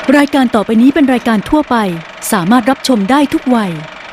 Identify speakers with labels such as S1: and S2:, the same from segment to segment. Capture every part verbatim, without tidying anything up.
S1: รายการต่อไปนี้เป็นรายการทั่วไปสามารถรับชมได้ทุกวัย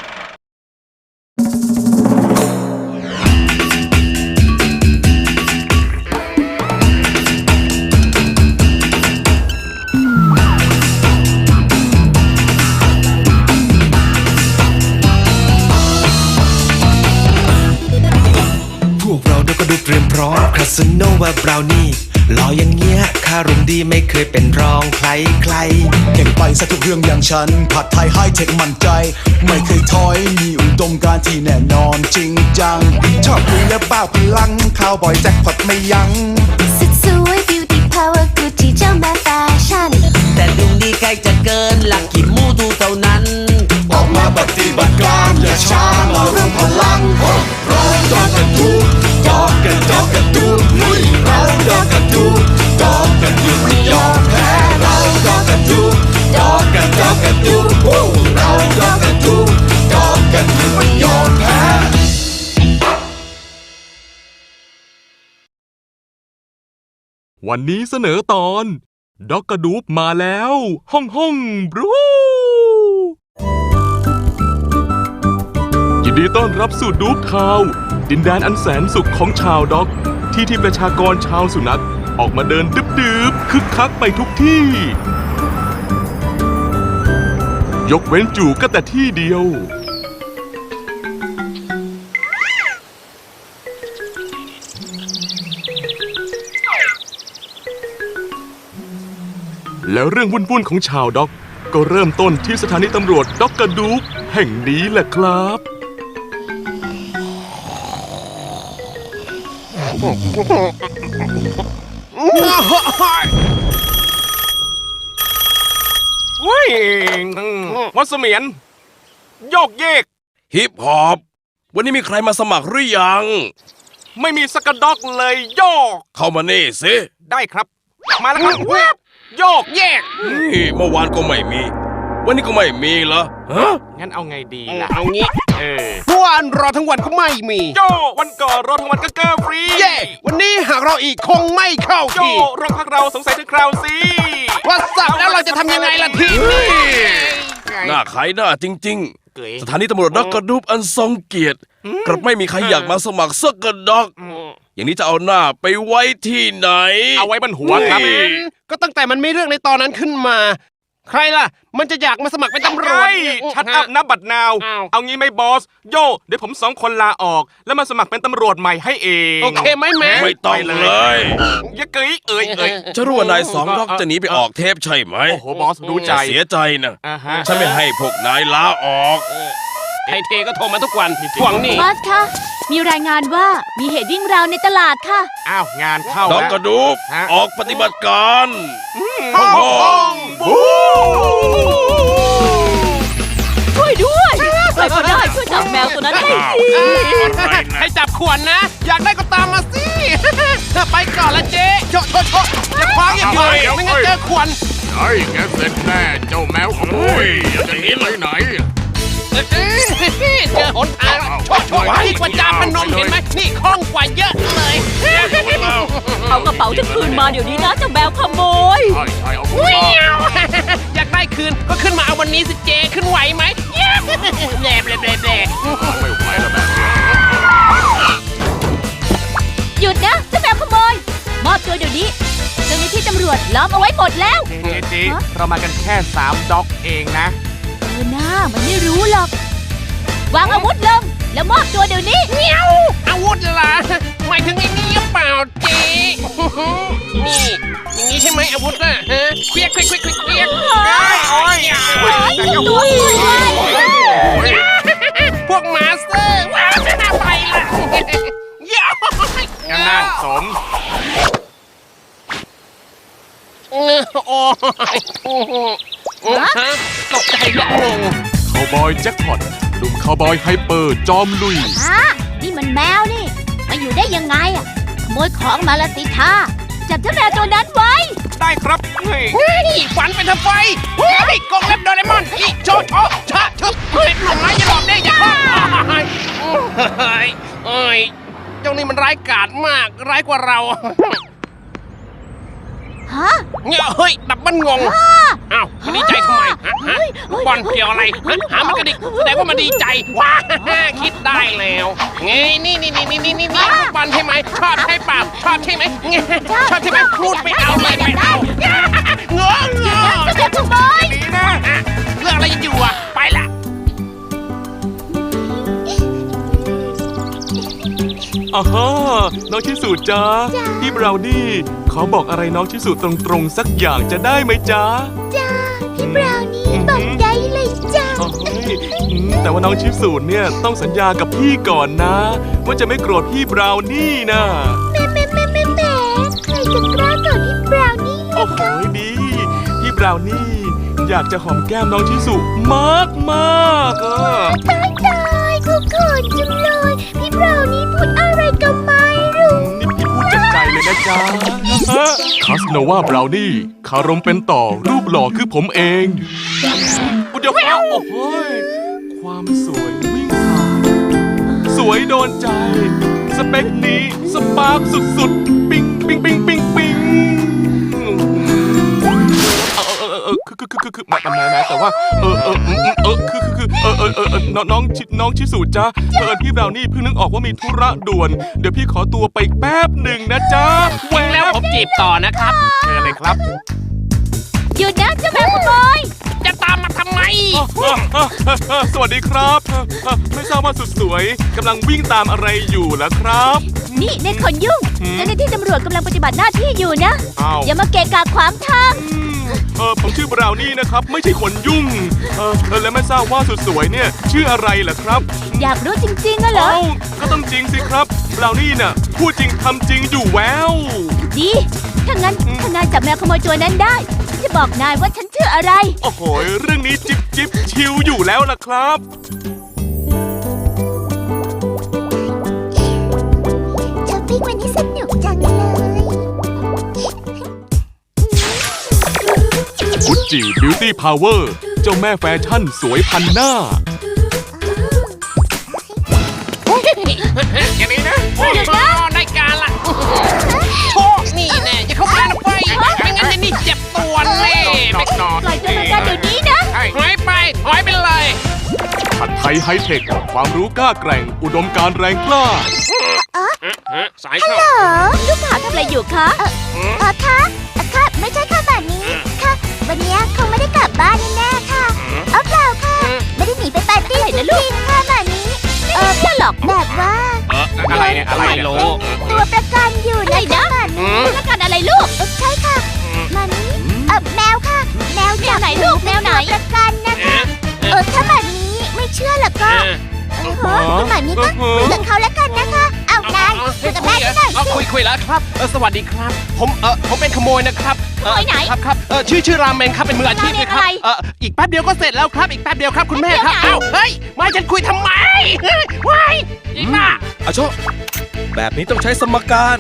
S2: พวกเราเดี๋ยวก็ดูเตรียมพร้อมคาสโนวาบราวนี่หล่ออย่างเงี้ยคารมดีไม่เคยเป็นรองใครใคร
S3: เก่งไปซะทุกเรื่องอย่างฉันผัดไทยไฮเทคมั่นใจไม่เคยถอยมีอุดมการณ์ที่แน่นอนจริงจังชอบคุยและบ้าพลังข่าวบ่อยแจ็คพอตไม่ยั้ง
S4: สุดสวย beauty power กูที่เจ้าแม่แฟชั่น
S5: แต่ดูดีใกล้จะเกินหลักกี่มูทูเท่านั้น
S3: ออกมาปฏิบัติการอย่าช้ามาเริ่มพลังเราดอกกันดูดอกกันดอกกันดูเราดอกกันดูดอกกันดูไม่ยอมแพ้เราดอกกันดูดอกกันดอกกันดูเราดอกกันดูดอกกันดูไม่ยอมแพ้
S6: วันนี้เสนอตอนด็อกกระดูบมาแล้วฮ่องฮ่องบรูยินดีต้อนรับสู่ดูบทาวน์ดินแดนอันแสนสุขของชาวด็อกที่ที่ประชากรชาวสุนัขออกมาเดินดึบๆคึกคักไปทุกที่ยกเว้นจู่ก็แต่ที่เดียวแล้วเรื่องวุ่นๆของชาวด็อกก็เริ่มต้นที่สถานีตำรวจด็อกกระดูบแห่งนี้แหละครับ
S7: วิ่งวัดเสมียนโยกเยก
S2: ฮิปฮอปวันนี้มีใครมาสมัครหรือยัง
S7: ไม่มีสกด็อกเลยโยก
S2: เข้ามานี่สิ
S7: ได้ครับมาแล้วครับโยกเยก
S2: เมื่อวานก็ไม่มีวันนี้ก็ไม่มีเหรอฮะ
S7: งั้นเอาไงดีล่ะ
S5: เอางี้
S7: เออ
S5: เมื่อวานรอทั้งวันก็ไม่มี
S7: โยวันก่อนรอทั้งวันก็เกินฟรี
S5: เย่วันนี้หากเราอีกคงไม่เข้าที
S7: โยรอพักเราสงสัยถึงคราวสิ
S5: ว่าสับแล้วเราจะทำยังไงล่ะทีนี้
S2: หน้าขายหน้าจริงๆสถานีตำรวจด็อกกระดูบอันทรงเกียรติกลับไม่มีใครอยากมาสมัครสักกระด็อกอย่างนี้จะเอาหน้าไปไว้ที่ไหน
S7: เอาไว้บนหัวครับ
S5: ก็ตั้งแต่มันมีเรื่องในตอนนั้นขึ้นมาใครล่ะมันจะอยากมาสมัครเป็นตำรวจ
S7: ชัดอัพนับบัตรนาวเอางี้ไหมบอสโยเดี๋ยวผมสองคนลาออกแล้วมาสมัครเป็นตำรวจใหม่ให้เอง
S5: โอเคไหมแม่
S2: ไม่ต้องเลย
S7: อย่าเกยเอ่ยเอ่ย
S2: จะรู้ว่านายสองด็อกจะหนีไปออกเทปใช่ไหม
S7: โอ้โหบอสรู้ใจ
S2: เสียใจนะฉันไม่ให้พวกนายลาออก
S5: ไทเทก็โทรมาทุกวันทวงนี่
S4: บอสคะมีรายงานว่ามีเหตุวิ่งราวในตลาดค่ะ
S7: อ้าวงานเข้า
S2: ด็อกกระดูบออกปฏิบัติการฮ่องฮ่องบู
S4: ช่วยด้วยใครก็ได้ช่วยจับแมวตัวนั้นให้ที
S5: ให้จับขวนนะอยากได้ก็ตามมาสิไปก่อนละเจ๊โชโชโชจะคว้างอย่างเดียวไม่งั้นเจอขวน
S7: ไอ้แกเสร็จแน่เจ้าแมวขโมยจะหนีไปไหน
S5: เจอหนทางโชว์โชว์นี่กว่าจามพนมเห็นไหมนี่คล่องกว่าเยอะเลย
S4: เอากระเป๋าจะคืนมาเดี๋ยวนี้นะเจ้าแมวขโมย
S7: ใช่ใช่เอา
S5: อยากได้คืนก็ขึ้นมาเอาวันนี้สิเจขึ้นไหวไหมแหลบแหลบแหลบแหลบ
S7: ไม่ไหวแล้วแบบ
S4: หยุดนะเจ้าแมวขโมยมอบตัวเดี๋ยวนี้เจ้าหน้าที่ตำรวจล้อมเอาไว้หมดแล้ว
S7: เจ๊เจ๊เรามากันแค่สามด็อกเองนะ
S4: เออหน้ามันไม่รู้หรอกวางอาวุธลงแล้วมอบตัวเดี๋ยวนี้
S5: เงี้ยวอาวุธล่ะหมายถึงไอ้นี่หรือเปล่าเจ๊นี่อย่างนี้ใช่ไหมอาวุธน่ะฮะเคลียกเคลียกเคลียกเคลียกโอ้ยพวกมาสเตอร์ว้าวน่าไปละ
S7: งานนั่นสม
S5: โอ้ยตกใจละงง
S6: คาวบอยแจ็คพอตหนุ่มคาวบอยไฮเปอร์จอมลุย
S4: ฮะนี่มันแมวนี่มาอยู่ได้ยังไงอ่ะขโมยของมาละสิท่าจับเจ้าแมวตัวนั้นไว้
S7: ได้ครับ
S5: เฮ้ยฝันเป็นทำไฟเฮ้ยกองเล็บโดเรมอนอีโชโชชะชึบเฮ้ยหน่อไม้อย่าหลอกได้อย่าเฮ้ยเฮ้ยเจ้านี่มันร้ายกาจมากร้ายกว่าเรา
S4: ฮะ
S5: เนี่ยเฮ้ยดับมันงงอ้าวมันดีใจทำไมฮะฮะลูกบอลเกี่ยวอะไรฮะหามันกระดิกแสดงว่ามันดีใจว้าคิดได้แล้วไงนี่นี่นี่นี่นี่นี่ลูกบอลใช่ไหมชอบใช่เปล่าชอบใช่ไหมชอบใช่ไหมพูดไม่เอาเลยไม่เอาเงาะเงาะ
S4: เจ้าขโมย
S5: ดีนะเรื่องอะไรอยู่อ่ะไปละ
S6: อ่าฮะน้องชิสุจ้าพี่บราวนี่ขอบอกอะไรน้องชิสุตรงๆสักอย่างจะได้ไหมจ้า
S4: จ้าพี่บราวนี่บอกได้เลยจ้า
S6: เอ้ยอืมแต่ว่าน้องชิสุเนี่ยต้องสัญญากับพี่ก่อนนะ ว่าจะไม่โกรธพี่บราวนี่นะ
S4: แม่แม่แม่แม่แม่ใครจะกล้าก่อนพี่บราวนี่
S6: โอ้โหดีพี่บราวนี่อยากจะหอมแก้มน้องชิสุมากมากๆอ่ะ
S4: ตายตายเขาเขินจังเลยพี่บราวนี่พูดอะไรก็ไม่รู้
S6: นี่พี่พูดจากใจเลยนะจ๊ะคาสโนวาบราวนี่คารมเป็นต่อรูปหล่อคือผมเองอุยเดี๋ยวครับโอ้โหยความสวยวิ่งผ่านสวยโดนใจ สเปคนี้สปาร์คสุดๆ ปิ๊งปิ๊งปิ๊งปิ๊งปิ๊งเออเออเออคือคือคือคือแม่แม่แม่แต่ว่าเออเออเออคือคือคือเออเออเออน้องน้องชิน้องชิสุจ้าเออพี่บราวนี่เพิ่งนึกออกว่ามีธุระด่วนเดี๋ยวพี่ขอตัวไปแป๊บหนึ่งนะจ๊ะแว
S5: แล้ว
S6: บ
S5: ผมจีบต่อนะครับเชิญเลยครับ
S4: หยุดนะเจ้าแม่ขโมย
S5: จะตามมาทำไม
S6: สวัสดีครับไม่ทราบว่าสุดสวยกำลังวิ่งตามอะไรอยู่ล่ะครับ
S4: นี่ในคนยุ่งเจ้าหน้าที่ตำรวจกำลังปฏิบัติหน้าที่อยู่นะ
S6: อ้าว
S4: อย่ามาเกะกะขวางทาง
S6: อืมเออผมชื่อบราวนี่นะครับ ไม่ใช่คนยุ่งเออเออและไม่ทราบว่าสุดสวยเนี่ยชื่ออะไรล่ะครับ
S4: อยากรู้จริงๆอะเหรอ
S6: เอ้าก็ต้องจริงสิครับบราวนี่น่ะพูดจริงทำจริงอยู่แวว
S4: ดี ถ้างั้นถ้านายจับแมวขโมยตัวนั้นได้ฉันจะบอกนายว่าฉันชื่ออะไร
S6: โอ้โหเรื่องนี้จิบจิบชิวอยู่แล้วล่ะครับ
S4: ช้อปปิ้งวันนี้สนุกจังเลย
S6: กุจจีบิวตี้พาวเวอร์เจ้าแม่แฟชั่นสวยพันหน้า
S5: อย่างนี้นะหยุดนะได้การละโชคนี่แน่จะเข้ามานะไฟไม่งั้นจะนี่เจ็บตัวแน่ไม่นอน
S4: ปล่อยตัวประกันเดี๋ยวนี้นะ
S5: ถอยไปถอยไปเลย
S6: ผัดไทยไฮเทค ความรู้กล้าแกร่ง อุดมการณ์แรงกล้า
S5: สายเข้า
S4: เออลูกสาวทำอะไรอยู่คะ เออคะค่ะไม่ใช่ค่ะแบบนี้ ค่ะ วันนี้คงไม่ได้กลับบ้านแน่ๆค่ะเอาเปล่าค่ะ ไม่ได้หนีไปปาร์ตี้นะลูกค่ะแบบนี้ เออไม่หรอกแบบว่า
S5: อะไรเนี่ยอะไรโล
S4: ตัวประกันอยู่นะคะแบบนี้ตัวประกันอะไรลูก ใช่ค่ะมานี้เออแมวค่ะ แมวจากไหนลูกแมวไหนประกันนะคะ เออถ้าแบบนี้ไม่เชื่อหรอกก็เออคุณหมอนี้ก็คุยกับเขาแล้วกันนะคะ เอานายคุยกับแม่หน่อยสิ
S5: คุยคุยแล้วครับเออสวัสดีครับ ผมเออผมเป็นขโมยนะครับ
S4: ขโมยไหน
S5: ครับครับเออชื่อชื่อรามเมนครับเป็นมืออาชีพเลยครับ
S4: รามเมนอะไร
S5: เอออีกแป๊บเดียวก็เสร็จแล้วครับอีกแป๊บเดียวครับคุณแม่ครับ
S4: แป๊บเดียวไหน
S5: เอ้าเฮ้ยมาฉันคุยทำไมเฮ้ยว้ายอีกน่ะ
S2: อาโชแบบนี้ต้องใช้สมการ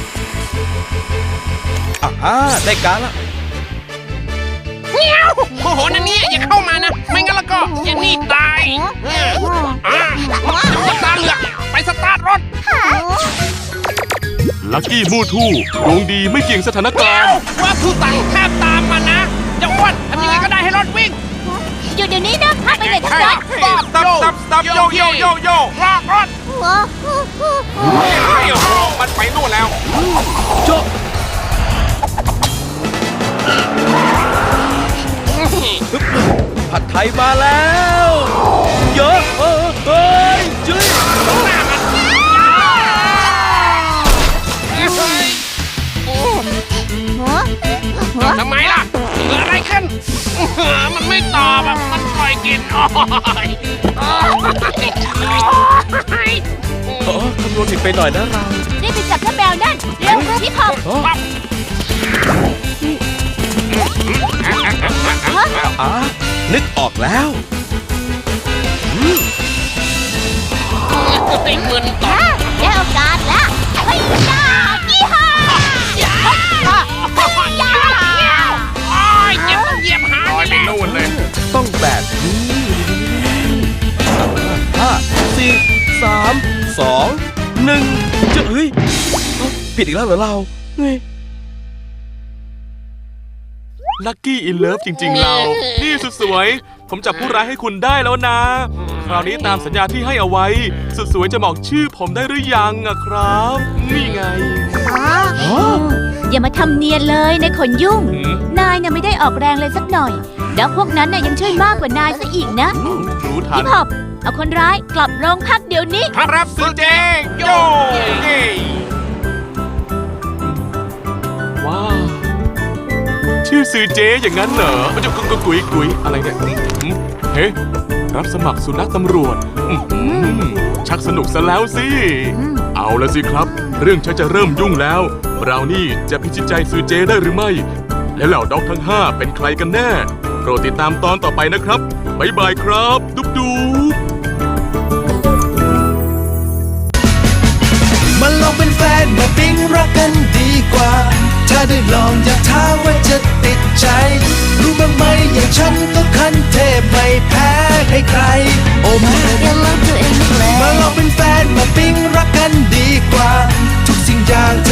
S2: อ่าได้การละ
S5: เงี้ยวโอ้โหนั่นเนี่ยอย่าเข้ามานะไม่งั้นแล้วก็อย่านี่ตายเอออ่าจะตาเหลือกไปสตาร์ทรถ
S6: ลักกี้มูทู่ดวงดีไม่เกี่ยงสถานกา
S5: เดี๋ย
S6: ร
S5: ว
S6: ณ์
S5: ว่าผู้สั่งห้ามตามมานะอย่าอ้วนทำยังไงก็ได้ให้รถวิ่ง
S4: หยุดเดี๋ยวนี้นะห้ามไปไหนทั้งนั้น
S5: stop
S6: stop stop yo yo yo yo
S5: รอกรถ
S4: หัว
S6: โอ้โหมันไปนู่นแล้ว
S2: โช ผัดไทยมาแล้วเยอะเออเฮ้ยจุ้ย
S5: หน้ามันทำไมล่ะเกิดอะไรขึ้นมันไม่ตอบอ่ะมันปล่อยกินโอ้ย
S2: อ๋อคำนวณผิดไปหน่อยนะเรา
S4: รีบไปจับเจ้าแมวนั่นเร็วพี่พอ
S2: อ๋ออ่ะนึกออกแล้วอืม
S5: ไอ้มึนต่อ
S4: ได้โอกาสแล้วเฮ้ยจ้ายี่ห้าย่าย่า
S5: โอ้ยเจ็บต้องเหยียบหางนี่แหละ
S6: นู่นเลย
S2: ต้องแบบนี้ห้าสี่สามสองหนึ่งจะเฮ้ยเอ้าผิดอีกแล้วเหรอเราเฮ้ย
S6: ลัคกี้อินเลิฟจริงๆเรา นี่สุดสวย ผมจับผู้ร้ายให้คุณได้แล้วนะ คราวนี้ตามสัญญาที่ให้เอาไว้ สุดสวยจะบอกชื่อผมได้หรือยังอะครับ นี่ไง
S1: อย่ามาทำเนียนเลยในขนยุ่ง
S6: หืม
S1: นายน่ะไม่ได้ออกแรงเลยสักหน่อย แล้วพวกนั้นน่ะยังช่วยมากกว่านายซะอีกนะ
S6: รู้ทัน
S1: พี่พอบเอาคนร้ายกลับโรงพักเดี๋ยวนี้
S5: ครับสุดเจโย
S6: ว้าว ชื่อซือเจอย่างนั้นเหรอจะกุยกุยกุยอะไรเนี่ยหืมเฮ้รับสมัครสุนัขตำรวจอื้อหือชักสนุกซะแล้วสิ เอาละสิครับ เรื่องชักจะเริ่มยุ่งแล้วบราวนี่จะพิชิตใจซือเจได้หรือไม่ และเหล่าด็อกทั้งห้าเป็นใครกันแน่ โปรดติดตามตอนต่อไปนะครับบ๊ายบายครับ ดุ๊บดุ๊บ
S3: มาลองเป็นแฟนมาปิ๊งรักกันดีกว่า ถ้าได้ลองอย่าท้าว่าจะติดใจ รู้บ้างไหมอย่างฉันก็คันเทพไม่แพ้ให้ใคร โอ้แม่มาลองเป็นแฟนมาปิ๊งรักกันดีกว่า ทุกสิ่งอย่าง